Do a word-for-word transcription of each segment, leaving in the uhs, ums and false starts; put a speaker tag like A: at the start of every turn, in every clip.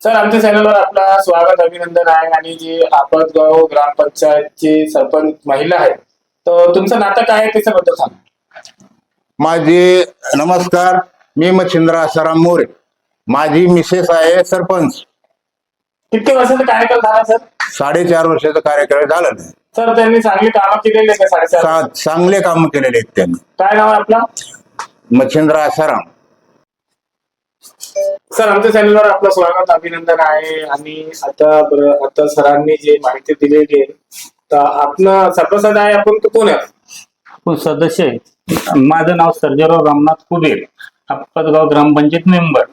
A: Sir आमच्या चॅनलवर आपला स्वागत अभिनंदन आहे आणि जी आपतगाव ग्रामपंचायतची सरपंच महिला आहे तर तुमचं नातं काय आहे त्याच्याबद्दल सांगा.
B: माझे नमस्कार. मी मच्छिंद्र आसाराम मोरे. माझी मिसेस आहे सरपंच.
A: किती वर्षाचा कार्यकाल झाला सर?
B: साडेचार वर्षाचा कार्यकाळ झाला नाही.
A: सर त्यांनी चांगली कामं केलेली आहे का साडेचार?
B: चा- चांगले काम केलेले आहेत त्यांनी.
A: काय नाव आहे आपलं?
B: मच्छिंद्र आसाराम.
A: सर आमच्या चॅनलवर आपलं स्वागत अभिनंदन आहे आणि आता बरं आता सरांनी जी माहिती दिलेली आहे तर आपण सभासद आहे आपण तो कोण आहे?
C: आपण सदस्य आहे. माझं नाव सर्जेराव रामनाथ कुबेर, आपतगाव ग्रामपंचायत मेंबर.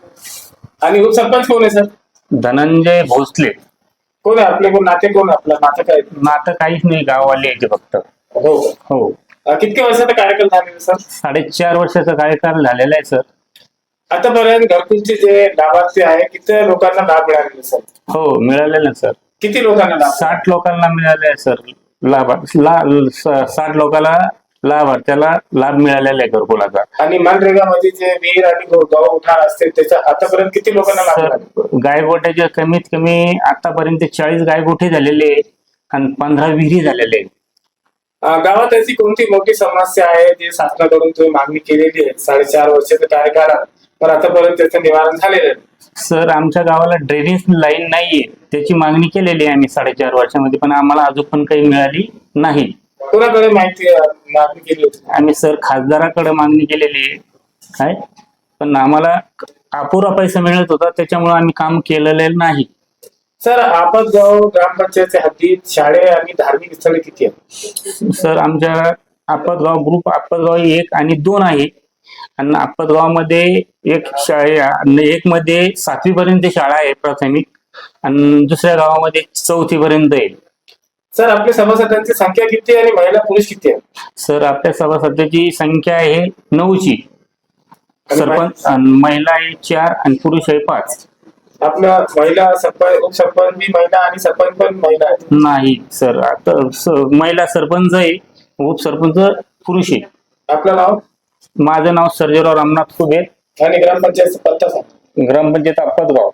A: आणि उपसरपंच कोण आहे सर?
C: धनंजय भोसले.
A: कोण आहे आपले? कोण नाते कोण आपलं नातं काय?
C: नातं काहीच नाही, गाववाले यायचे फक्त.
A: हो
C: हो,
A: अं, किती वर्षाचा कार्यकाल झालेला सर?
C: साडेचार वर्षाचा कार्यकाळ झालेला आहे सर.
A: आतापर्यंत घरकुलचे जे लाभार्थी आहे किती लोकांना लाभ मिळालेला सर?
C: हो, मिळालेलं सर.
A: किती लोकांना लाभ?
C: साठ लोकांना मिळाले आहे सर. लाभ ला- स- साठ लोकांना लाभार्थ्याला लाभ मिळालेला आहे घरकुलाचा.
A: आणि मनरेगामध्ये जे विहीर आणि गौ उठार असते त्याच्या आतापर्यंत किती लोकांना लाभ मिळाले?
C: सर गायगोट्याचे कमीत कमी आतापर्यंत चाळीस गायगोठे झालेले आहे आणि पंधरा विहिरी झालेले आहेत.
A: अं, गावात अशी कोणती मोठी समस्या आहे जी शासनाकडून तुम्ही मागणी केलेली आहे साडेचार वर्षाच्या कार्यकाळात पण आतापर्यंत त्याचं निवारण झालेलं आहे?
C: सर आमच्या गावाला ड्रेनेज लाईन नाहीये, त्याची मागणी केलेली आहे आम्ही साडेचार वर्षामध्ये, पण आम्हाला अजून पण काही मिळाली नाही.
A: कोणाकडे माहिती अं, मागणी केली होती?
C: आम्ही सर खासदाराकडे मागणी केलेली आहे, पण आम्हाला अपुरा पैसा मिळत होता, त्याच्यामुळे आम्ही काम केलेलं नाही.
A: सर आपतगाव ग्रामपंचायतच्या हद्दीत शाळे आणि धार्मिक स्थळे किती आहेत?
C: सर आमच्या आपतगाव ग्रुप आपतगाव एक आणि दोन आहे आणि आपतगावामध्ये एक शाळे एक मध्ये सातवी पर्यंत शाळा आहे प्राथमिक आणि दुसऱ्या गावामध्ये चौथी पर्यंत आहे.
A: सर आपल्या सभासदांची संख्या किती आहे आणि महिला पुरुष किती आहे?
C: सर आपल्या सभासदांची संख्या आहे नऊची.
A: आणि
C: सरपंच आणि महिला आहे चार आणि पुरुष आहे पाच.
A: आपल्या महिला सरपंच उपसरपंच बी महिला आणि सरपंच पण महिला आहे?
C: नाही सर, आता स- महिला सरपंच आहे, उपसरपंच पुरुष आहे.
A: आपलं नाव
C: माझं नाव सर्जेराव रामनाथ कुबेर,
A: आणि ग्रामपंचायतचा पत्ता सांग.
C: ग्रामपंचायत आपतगाव.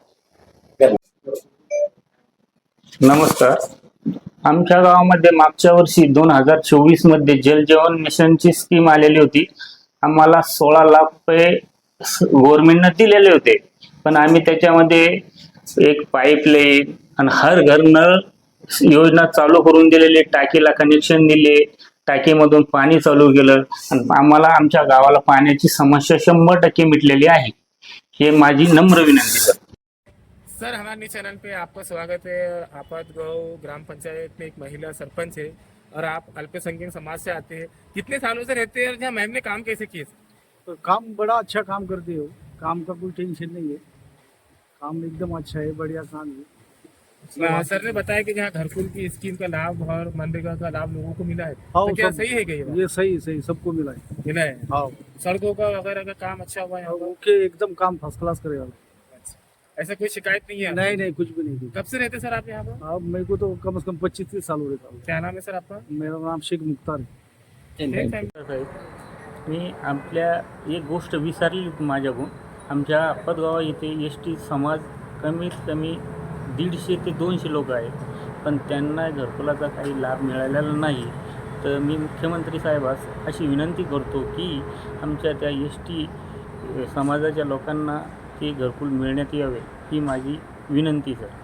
C: नमस्कार. आमच्या गावामध्ये मागच्या वर्षी दोन हजार चोवीस मध्ये जल जीवन मिशनची स्कीम आलेली होती. आम्हाला सोळा लाख रुपये गव्हर्नमेंटनं दिलेले होते, पण आम्ही त्याच्यामध्ये एक पाईपलाईन आणि हर घर नळ योजना चालू करून दिलेली, टाकीला कनेक्शन दिले, टाकीमधून पाणी चालू केलं आणि आम्हाला आमच्या गावाला पाण्याची समस्या शंभर टक्के मिटलेली आहे. हे माझी नम्र विनंती सर.
A: सर हमारे चैनल पे आपका स्वागत है. आपतगांव ग्राम पंचायत में एक महिला सरपंच है और आप अल्पसंख्यक समाज से आते हैं. कितने सालों से रहते हैं और यहाँ मैम ने काम कैसे किए?
D: तो काम बड़ा अच्छा काम करते हो. काम का कोई टेंशन नहीं है. काम एकदम अच्छा है, बढ़िया काम है.
A: सर ने बताया कि जहाँ घरकुल की स्कीम का लाभ और मनरेगा का लाभ लोगों को मिला है,
D: हाँ,
A: तो क्या
D: सब-
A: सही है क्या ये बात?
D: ये सही सही सबको मिला है.
A: मिला है.
D: हाँ,
A: सड़कों का वगैरह का काम अच्छा हुआ है यहाँ पर?
D: ओके, एकदम काम फर्स्ट क्लास करेगा.
A: अच्छा. ऐसा कोई शिकायत नहीं है?
D: नहीं नहीं, कुछ भी नहीं.
A: कब से रहते सर आप यहाँ पर?
D: अब मेरे को तो कम से कम पच्चीस तीस साल हो रहे था.
A: क्या नाम है सर आपका?
D: मेरा नाम शेख मुख्तार है.
C: साहेब, मी आपल्या एक गोष्ट विसरली होती माझ्याकडून. आमच्या आपतगावा इथे एस टी समाज कमीत कमी दीडशे ते दोनशे लोक आहेत, पण त्यांना घरकुलाचा काही लाभ मिळालेला नाही. तर मी मुख्यमंत्री साहेबास अशी विनंती करतो की आमच्या त्या एस टी समाजाच्या लोकांना ते घरकुल मिळण्यात यावे, ही माझी विनंती सर.